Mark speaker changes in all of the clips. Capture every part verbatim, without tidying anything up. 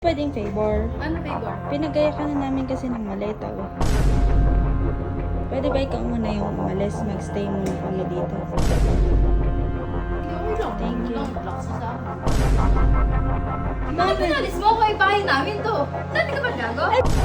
Speaker 1: Pwedeng favor.
Speaker 2: Ano favor?
Speaker 1: Pinagaya ka na namin kasi ng maleta eh. Pwede ba ikaw muna yung umalis? Magstay muna kami dito.
Speaker 2: Okay lang.
Speaker 1: Thank you.
Speaker 2: Lang, relax ka sa akin. Bakit pinalis mo ako? Ibahay namin to. Dati ka ba gago?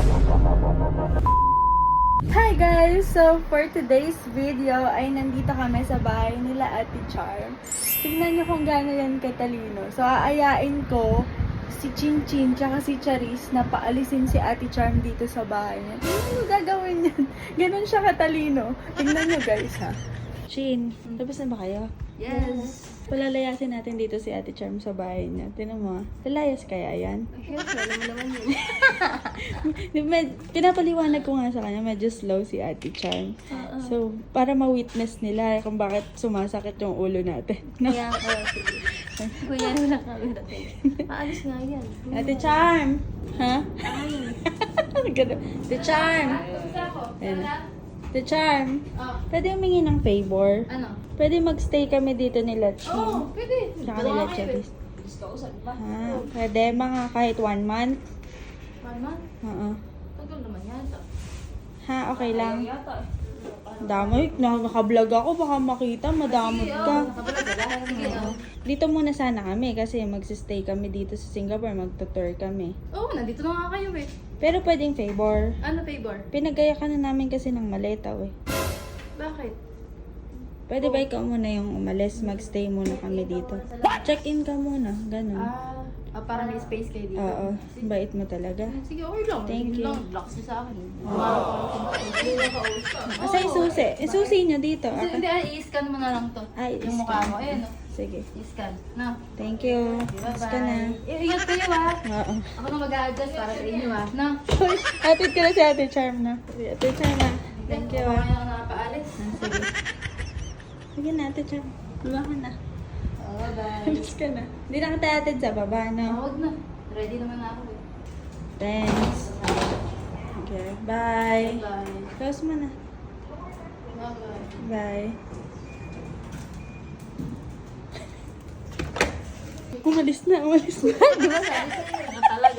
Speaker 3: Hi guys! So, for today's video ay nandito kami sa bahay nila Ate Charm. Tingnan niyo kung gaano yan katalino. So, aayain ko si Chin Chin tsaka si Charis na paalisin si Ate Charm dito sa bahay niya. Tingnan niyo gagawin yan. Ganon siya katalino. Tingnan niyo guys ha.
Speaker 1: Shin, tapos na ba kayo?
Speaker 2: Yes.
Speaker 1: Palalayasin natin dito si Ate Charm sa bahay niya. Tinan mo, lalayas kaya yan?
Speaker 2: Yes, alam mo naman yun.
Speaker 1: Med- pinapaliwanag ko nga sa kanya, medyo slow si Ate Charm.
Speaker 2: Uh-uh.
Speaker 1: So, para ma-witness nila kung bakit sumasakit yung ulo natin. No?
Speaker 2: Kaya ako, sige. Kuya, wala ka natin. Aalis nga yan.
Speaker 1: Ate Charm! Ha? Ganun. Ate Charm! Ayan na. Ate Charm!
Speaker 2: Oh,
Speaker 1: Pwede humingi ng favor?
Speaker 2: ano?
Speaker 1: Pwede magstay kami dito nila Chin.
Speaker 2: Oo, oh, pwede.
Speaker 1: Tsaka nila Charis.
Speaker 2: Gusto ko saan ba?
Speaker 1: Ha? Pwede mga kahit one month?
Speaker 2: One month?
Speaker 1: Oo.
Speaker 2: Tagal naman yata.
Speaker 1: Ha? Okay lang.
Speaker 2: Ayaw yata eh.
Speaker 1: Damay, nakaka-vlog ako, baka makita, madamot
Speaker 2: Sige,
Speaker 1: ka.
Speaker 2: oh, nakabalag ka lahat. Sige, oh.
Speaker 1: Dito muna sana kami kasi magsistay kami dito sa Singapore, magtutour kami.
Speaker 2: Oo, nandito na nga kayo eh.
Speaker 1: Pero pwedeng favor.
Speaker 2: Ano favor?
Speaker 1: Pinagaya ka na namin kasi ng maleta eh.
Speaker 2: Bakit?
Speaker 1: Pwede ba ikaw muna yung umalis, magstay muna kami dito? Check-in ka muna, ganun.
Speaker 2: Ah, ah para may space kayo dito.
Speaker 1: Oo, bait mo talaga.
Speaker 2: Sige, okay lang.
Speaker 1: Thank
Speaker 2: Sige
Speaker 1: you.
Speaker 2: lang, relax ka sa akin.
Speaker 1: Asa yung susi? Eh, susi nyo dito.
Speaker 2: Kasi
Speaker 1: Aka.
Speaker 2: hindi, ah, i-scan mo na lang to.
Speaker 1: Ay,
Speaker 2: yung
Speaker 1: i-scan.
Speaker 2: mukha mo. Ayan, oh.
Speaker 1: Sige.
Speaker 2: I-scan. Na.
Speaker 1: Thank you.
Speaker 2: Bye-bye.
Speaker 1: Mas ka na.
Speaker 2: I- Ingat kayo ah.
Speaker 1: Oo.
Speaker 2: Ako na mag-a-adjust para sa inyo ah. Na.
Speaker 1: Uy, atid ka na si Ate Charm na. Ate Charm na. Thank you ah.
Speaker 2: Kaya ako nakapaalis.
Speaker 1: Sige. Sige na, Ate Charm. Luwa ka na.
Speaker 2: Oh, bye.
Speaker 1: Mas ka na. Hindi na kita atid sa baba,
Speaker 2: Ah,
Speaker 1: no?
Speaker 2: Huwag na. Ready naman na ako eh.
Speaker 1: Thanks. Okay, bye.
Speaker 2: Bye.
Speaker 1: Close mo na.
Speaker 2: Bye-bye.
Speaker 1: Bye. Umalis na, umalis na.
Speaker 2: Di ba sabi sa'yo? Ano talaga?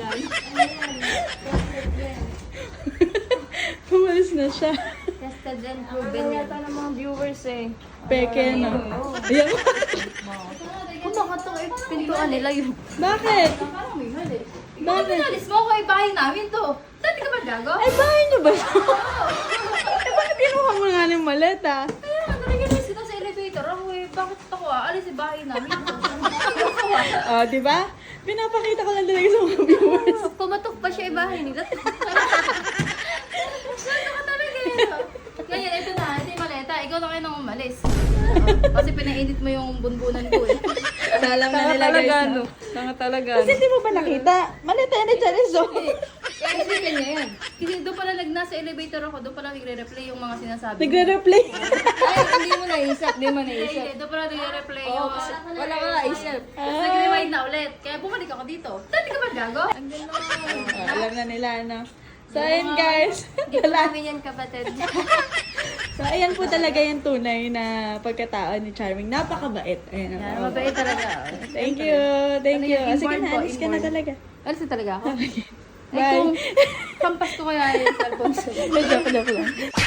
Speaker 1: Umalis na siya.
Speaker 2: Tested and proven yata ng mga viewers eh.
Speaker 1: Peke, no? Ayan.
Speaker 2: Kung baka ito eh, pintuan nila yun.
Speaker 1: Bakit?
Speaker 2: Parang may mali.
Speaker 1: Bakit?
Speaker 2: Bakit pinalis mo ako? Ibahay namin to. Dati ka ba gago?
Speaker 1: Ay, bahay niyo ba? Eh, bakit kinuha mo nga ng maleta?
Speaker 2: Kaya nga, nalagyan kita sa elevator. Ako eh, bakit ako ah? Alis sa bahay namin.
Speaker 1: Oh, di ba? Pinapakita ko lang talaga sa mga viewers.
Speaker 2: Pumatok pa siya ibahay nila. Ano ka talaga yun? Ngayon, ito na. Ito yung maleta. Ikaw na kayo nang umalis. Kasi pinainit mo yung bunbunan ko eh.
Speaker 1: Alam na nila guys. No?
Speaker 3: Tanga talaga.
Speaker 1: Kasi hindi mo ba nakita? Maleta yan ni Charis, oh.
Speaker 2: Kaya kasi kanya yan. Kasi doon pala nag nasa elevator ako, doon pala nagre-replay yung mga sinasabi mo.
Speaker 1: Nagre-replay.
Speaker 3: Ay, hindi mo naisip, hindi mo
Speaker 2: Hindi,
Speaker 3: naisip.
Speaker 2: hindi. Doon pala nagre-replay yung...
Speaker 3: Wala ka naisip.
Speaker 2: Tapos nag-rewind na ulit. Kaya bumalik ako dito. Dati ka ba gago? Ang gano'n.
Speaker 1: Oh, alam na nila, ano. So, ayun guys. Wala.
Speaker 2: Namin yan kapatid.
Speaker 1: So, ayan po talaga yung tunay na pagkatao ni Charming. Napakabait. Ayan.
Speaker 2: Yan,
Speaker 1: oh.
Speaker 2: mabait talaga.
Speaker 1: Thank you. Thank
Speaker 2: Ano
Speaker 1: you.
Speaker 2: yung
Speaker 1: Sige
Speaker 2: inborn
Speaker 1: na,
Speaker 2: po,
Speaker 1: alis ka na
Speaker 2: inborn?
Speaker 1: talaga.
Speaker 2: Alis na talaga ako? Ay,
Speaker 1: Bye.
Speaker 2: kung kampas ko kaya yung cellphone sa...
Speaker 1: Joke, joke lang.